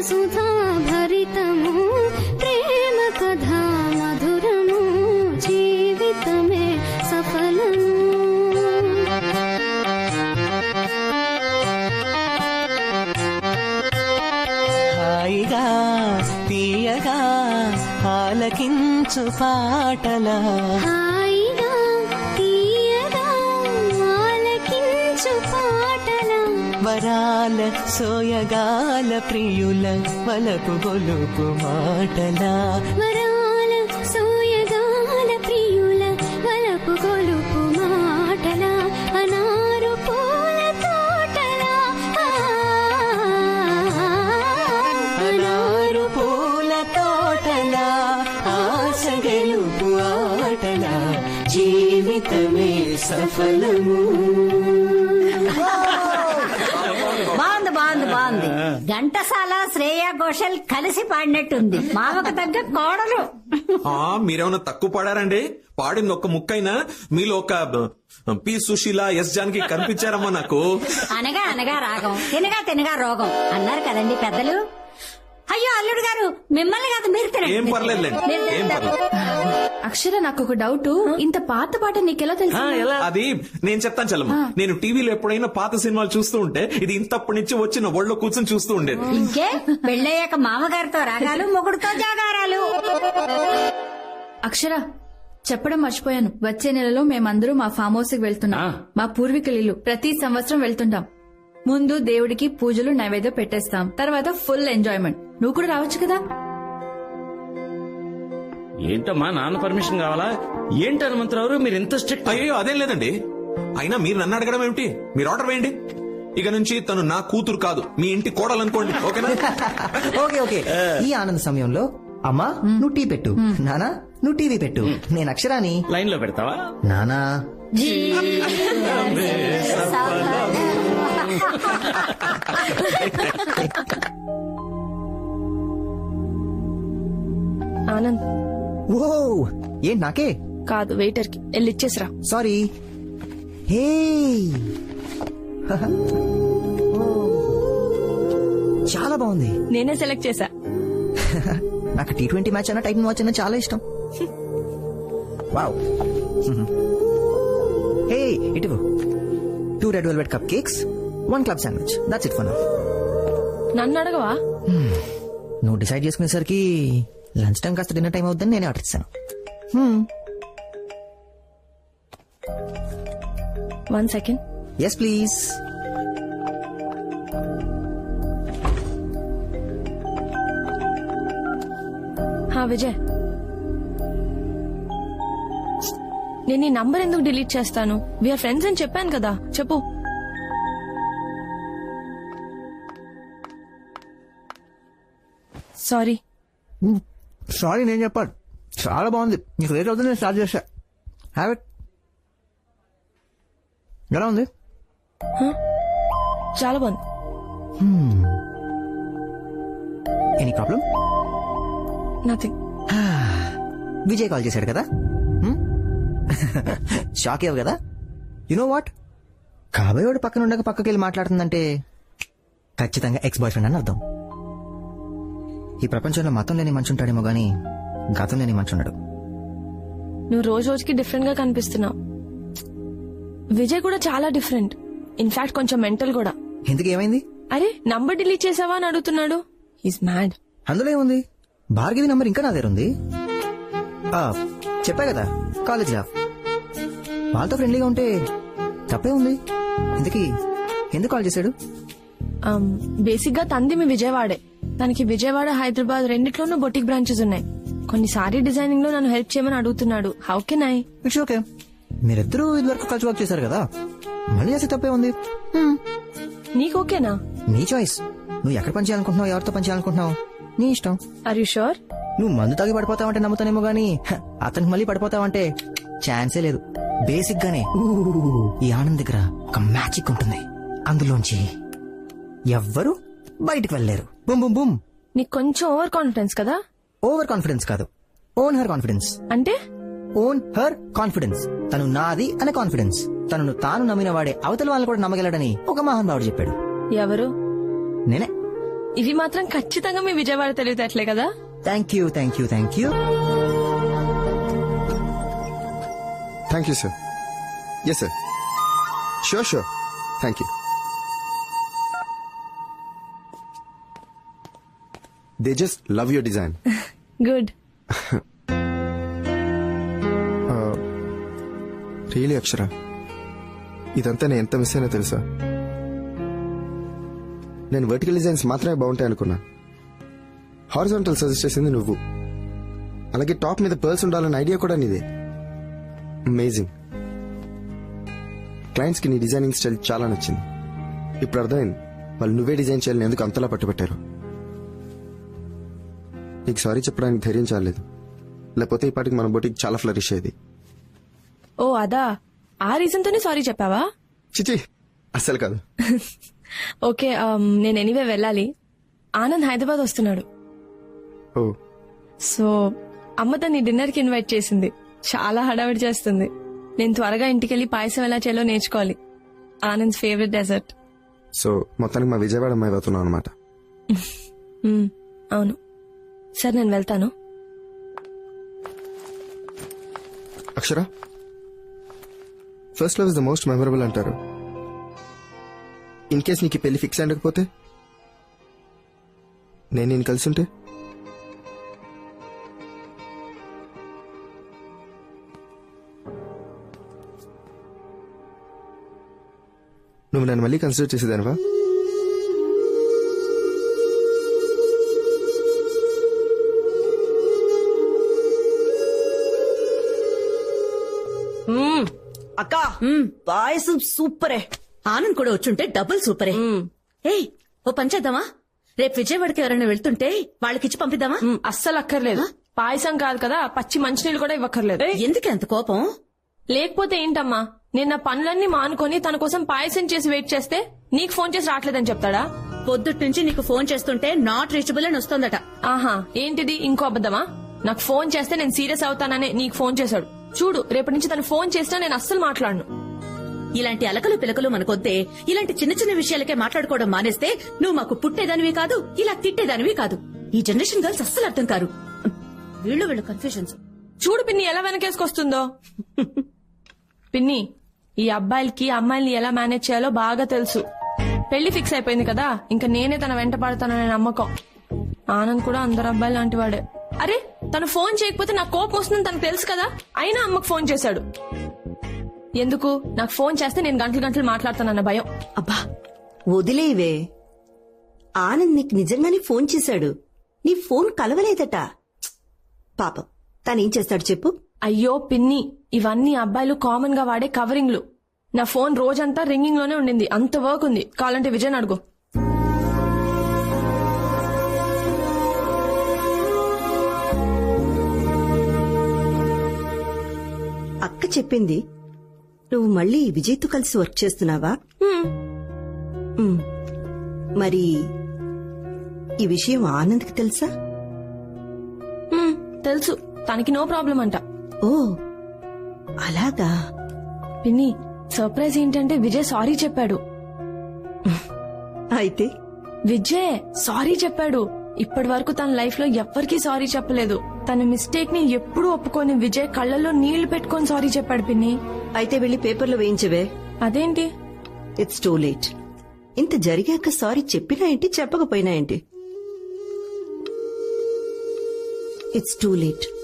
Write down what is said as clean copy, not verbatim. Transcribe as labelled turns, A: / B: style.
A: సుధా భరితము ప్రేమ కథా మధురము జీవితమే సఫలము.
B: హాయిగా తీయగా ఆలకించు పాటల
A: హాయిగా తీయగా ఆలకించు పాటల
B: వరాల సోయగాల ప్రియుల వలపు గొలుపు మాటల
A: వరాల సోయగాల ప్రియుల వలపు గొలుపు మాటల అనారు పూల తోటల
B: అనారు పూల తోటల ఆశ గెలుపు ఆటల జీవితమే సఫలము.
C: బాగుంది బాగుంది బాగుంది. ఘంటసాల శ్రేయా ఘోషల్ కలిసి పాడినట్టుంది. మామకు తగ్గ కోడలు.
D: మీరేమన్నా తక్కువ పాడారండి? పాడింది ఒక్క ముక్కైనా మీలో ఒక పి సుశీల ఎస్ జానకి కనిపించారమ్మా నాకు.
C: అనగా అనగా రాగం, తినగా తినగా రోగం అన్నారు కదండి పెద్దలు. అయ్యో అల్లుడు గారు, మిమ్మల్ని కాదు మీరు తినండి.
D: ఏం పర్లేదులేండి, ఏం పర్లేదు.
E: అక్షర, నాకు ఒక డౌట్. ఇంత పాత పాట నీకెలా తెలుసు?
D: అది నేను చెప్తాను చల్లమ్మ. నేను టీవీలో ఎప్పుడైనా పాత సినిమాలు చూస్తూ ఉంటే ఇది ఇంతప్పటి నుంచి వచ్చి నా ఒళ్ళో కూర్చొని చూస్తూ ఉండేది.
C: ఇంకే పెళ్ళయ్యాక మామగారితో రాగాలు, మొగుడుతో జాగారాలు.
E: అక్షర, చెప్పడం మర్చిపోయాను. వచ్చే నెలలో మేమందరూ మా ఫామ్ హౌస్ కి వెళ్తున్నాం. మా పూర్వీకుల ఇల్లు. ప్రతి సంవత్సరం వెళ్తుంటాం. ముందు దేవుడికి పూజలు నైవేద్యం పెట్టేస్తాం, తర్వాత ఫుల్ ఎంజాయ్మెంట్. నువ్వు కూడా రావచ్చు కదా?
F: ఏంటమ్మా, నాన్న పర్మిషన్ కావాలా? ఏంటి హనుమంతరావు మీరు ఇంత స్ట్రిక్ట్?
D: అయ్యో అదేం లేదండి. అయినా మీరు నన్ను అడగడం ఏమిటి? మీరు ఆర్డర్ వేయండి. ఇక నుంచి తను నా కూతురు కాదు, మీ ఇంటి కోడలు అనుకోండి. ఓకేనా?
G: Okay okay. ఈ ఆనంద సమయంలో అమ్మా నువ్వు టీ పెట్టు, నానా నువ్వు టీవీ పెట్టు, నేను అక్షరాని
F: లైన్ లో పెడతావా?
G: నానా
H: ఆనంద్.
G: ఓ ఏంటి నాకే
H: కాదు, వెయిటర్ కి వెళ్ళి ఇచ్చేసిరా.
G: సారీ. హే చాలా బాగుంది.
H: నేనే సెలెక్ట్ చేశా.
G: నాకు T20 మ్యాచ్ అన్న టైటన్ వాచ్ అన్న చాలా ఇష్టం. వావ్. హే ఇటు 2 red velvet cupcakes, 1 club sandwich. That's it for now.
H: నన్ను అడగవా?
G: నువ్వు డిసైడ్ చేసుకునేసరికి లంచ్ టైం కాస్త డిన్నర్ టైం అవుతుందని నేనే ఆర్డర్ ఇస్తాను.
H: 1 సెకండ్.
G: Yes please.
H: విజయ్, నేను ఈ నంబర్ ఎందుకు డిలీట్ చేస్తాను? వీఆర్ ఫ్రెండ్స్ అని చెప్పాను కదా. చెప్పు. సారీ.
G: సారీ నేను చెప్పాను. చాలా బాగుంది. నీకు లేట్ అవుతుంది, నేను స్టార్ట్ చేశా. Have it. ఎలా ఉంది?
H: చాలా బాగుంది.
G: Any problem?
H: Nothing.
G: Vijay call చేశాడు కదా, షాక్ అయ్యావు కదా. యు నో వాట్, కాబోయేవాడు పక్కన ఉండగా పక్కకి వెళ్ళి మాట్లాడుతుందంటే ఖచ్చితంగా ఎక్స్ బాయ్ ఫ్రెండ్ అని అర్థం. ఈ ప్రపంచంలో మతం లేని మనిషి ఉంటాడేమో గానీ గతం లేని మనిషి ఉండడు.
H: నువ్వు రోజు రోజుకి డిఫరెంట్ గా కనిపిస్తున్నావు. విజయ్ కూడా చాలా డిఫరెంట్. ఇన్ఫాక్ట్ కొంచెం మెంటల్ కూడా.
G: ఎందుకు ఏమైంది?
H: అరే నంబర్ డిలీట్ చేసావా అని అడుగుతున్నాడు. Is mad.
G: అందులో ఏముంది? భార్గవి నంబర్ ఇంకా నా దగ్గర ఉంది. చెప్పా కదా, కాలేజ్ లా వాళ్ళతో ఫ్రెండ్లీగా ఉంటే తప్పే ఉంది. ఇంతకీ ఎందుకు కాల్ చేశాడు?
H: బేసిక్ గా తంది మీ విజయవాడే. తనకి విజయవాడ, హైదరాబాద్ రెండిట్లోనూ బొటిక్ బ్రాంచెస్ ఉన్నాయి. కొన్ని సారీ డిజైనింగ్ లో నన్ను హెల్ప్ చేయమని అడుగుతున్నాడు. How can I?
G: It's okay. మీరిద్దరూ ఇదివరకు కలిసి వర్క్ చేశారు కదా, మళ్ళీ చేస్తే తప్పే ఉంది.
H: నీకు ఓకేనా?
G: నీ చాయిస్. నువ్వు ఎక్కడ పని చేయాలనుకుంటున్నావు, ఎవరితో పని చేయాలనుకుంటున్నావు, నీ ఇష్టం.
H: Are you sure?
G: నువ్వు మందు తాగి పడిపోతావంటే నమ్ముతానేమో గానీ అతనికి మళ్ళీ పడిపోతావంటే ఛాన్సే లేదు. బేసిక్ గానే ఈ ఆనంద్ దగ్గర ఒక మ్యాజిక్ ఉంటుంది. అందులోంచి ఎవ్వరు బయటికి వెళ్ళలేరు. Boom boom boom.
H: నీకు కొంచెం ఓవర్ కాన్ఫిడెన్స్ కదా?
G: ఓవర్ కాన్ఫిడెన్స్ కాదు, ఓన్ హర్ కాన్ఫిడెన్స్.
H: అంటే
G: ఓన్ హర్ కాన్ఫిడెన్స్. తను నాది అనే కాన్ఫిడెన్స్. తనను తాను నమ్మిన వాడే అవతల వాళ్ళని కూడా నమ్మగలడని ఒక మహానుభావుడు చెప్పాడు.
H: ఎవరు?
G: నేనే.
H: ఇవి మాత్రం ఖచ్చితంగా మీ విజయవాడ తెలివితేటలే కదా.
G: Thank you thank you thank you.
I: Thank you sir. Yes sir, sure sure, thank you. They just love your design.
H: Good.
I: Really Akshara, ఇదంతా నేను ఎంత మిస్ అయినా తెలుసా? నేను వర్టికల్ డిజైన్స్ మాత్రమే బాగుంటాయి అనుకున్నా. హారిజాంటల్ సజెస్ట్ చేసింది నువ్వు. అలాగే టాప్ మీద పర్ల్స్ ఉండాలన్న ఐడియా కూడా నీదే. అమేజింగ్. క్లయింట్స్ కి నీ డిజైనింగ్ స్టైల్ చాలా నచ్చింది. ఇప్పుడు అర్థమైంది వాళ్ళు నువ్వే డిజైన్ చేయాలని ఎందుకు అంతలా పట్టుబట్టారు. నీకు సారీ చెప్పడానికి ధైర్యం చాలేదు, లేకపోతే ఈ పాటికి మన బొటికి చాలా ఫ్లరిష్ అయ్యేది.
H: ఓ అదా, ఆ రీజన్ తోనే సారీ చెప్పావా?
I: చిచి అస్సలు కాదు.
H: ఓకే, నేను ఎనీవే వెళ్ళాలి. ఆనంద్ హైదరాబాద్ వస్తున్నాడు.
I: ఓ,
H: సో అమ్మ తన్ని డిన్నర్ కి ఇన్వైట్ చేసింది. చాలా హడావిడి చేస్తుంది. నేను త్వరగా ఇంటికెళ్లి పాయసం ఎలా చేయాలో నేర్చుకోవాలి. Anand favourite dessert.
I: సో మొత్తానికి మా విజయవాడ అమ్మాయి అవుతున్నావు అనమాట.
H: అవును. సరే నేను వెళ్తాను.
I: Akshara, first love is the most memorable అంటారు. ఇన్ కేస్ నీకు ఈ పెళ్లి ఫిక్స్ అయ్యకపోతే, నేను కలిసి ఉంటే? నువ్వు నన్ను మళ్ళీ కన్సిడర్ చేసేదానివా?
J: అక్క పాయసం సూపరే. ఆనంద్ కూడా వచ్చుంటే డబుల్ సూపరే. ఏయ్, ఓ పని చేద్దామా? రేపు విజయవాడకి ఎవరైనా వెళ్తుంటే వాళ్ళకిచ్చి పంపిద్దామా?
H: అస్సలు అక్కర్లేదు. పాయసం కాదు కదా, పచ్చి మంచినీళ్ళు కూడా ఇవ్వక్కర్లేదు.
J: ఎందుకు అంత కోపం?
H: లేకపోతే ఏంటమ్మా, నేను నా పనులన్నీ మానుకొని తన కోసం పాయసం చేసి వెయిట్ చేస్తే నీకు ఫోన్ చేసి రావట్లేదని చెప్తాడా?
J: పొద్దుట్ నుంచి నీకు ఫోన్ చేస్తుంటే నాట్ రీచబుల్ అని వస్తోందట.
H: ఆహా, ఏంటిది ఇంకో అబద్దమా? నాకు ఫోన్ చేస్తే నేను సీరియస్ అవుతాననే నీకు ఫోన్ చేశాడు. చూడు, రేపటి నుంచి తను ఫోన్ చేసినా నేను అస్సలు మాట్లాడను.
J: ఇలాంటి అలకలు పిలకలు మనకొద్దే. ఇలాంటి చిన్న చిన్న విషయాలకే మాట్లాడుకోవడం మానేస్తే నువ్వు మాకు పుట్టేదానివి కాదు, ఇలా తిట్టేదానివి కాదు. ఈ జనరేషన్ గర్ల్స్ అస్సలు అర్థం కారు. వీళ్ళు కన్ఫ్యూజన్స్.
H: చూడు పిన్ని ఎలా వెనకేసుకొస్తుందో. పిన్ని, ఈ అబ్బాయిలకి అమ్మాయిల్ని ఎలా మేనేజ్ చేయాలో బాగా తెలుసు. పెళ్లి ఫిక్స్ అయిపోయింది కదా, ఇంకా నేనే తన వెంట పడతాననే నమ్మకం. ఆనంద్ కూడా అందరు అబ్బాయి లాంటి వాడే. అరే, తను ఫోన్ చేయకపోతే నాకు కోపం వస్తుందని తనకు తెలుసు కదా, అయినా అమ్మకు ఫోన్ చేశాడు. ఎందుకు? నాకు ఫోన్ చేస్తే నేను గంటలు గంటలు మాట్లాడతానన్న భయం.
K: అబ్బా వదిలేవే. ఆనంద్ నీకు నిజంగానే ఫోన్ చేశాడు. నీ ఫోన్ కలవలేదట. పాపం తనేం చేస్తాడు చెప్పు?
H: అయ్యో పిన్ని, ఇవన్నీ అబ్బాయిలు కామన్ గా వాడే కవరింగ్లు. నా ఫోన్ రోజంతా రింగింగ్ లోనే ఉండింది. అంత వర్క్ ఉంది. కావాలంటే విజయ్ అడుగు.
K: అక్క చెప్పింది నువ్వు మళ్ళీ విజయ్తో కలిసి వర్క్ చేస్తున్నావా? మరి ఈ విషయం ఆనంద్కి తెలుసా?
H: తెలుసు, తనకి నో ప్రాబ్లం అంట.
K: ఓ అలాగా.
H: పిన్ని, సర్ప్రైజ్ ఏంటంటే విజయ్ సారీ చెప్పాడు.
K: అయితే
H: విజయ్ సారీ చెప్పాడు. ఇప్పటి వరకు తన లైఫ్ లో ఎవ్వరికీ సారీ చెప్పలేదు. తన మిస్టేక్ ని ఎప్పుడూ ఒప్పుకొని విజయ్ కళ్ళల్లో నీళ్లు పెట్టుకొని సారీ చెప్పాడు పిన్ని.
K: అయితే వెళ్లి పేపర్లో వేయించవే.
H: అదేంటి?
K: It's too late. ఇంత జరిగాక సారీ చెప్పినా ఏంటి, చెప్పకపోయినా ఏంటి? It's too late.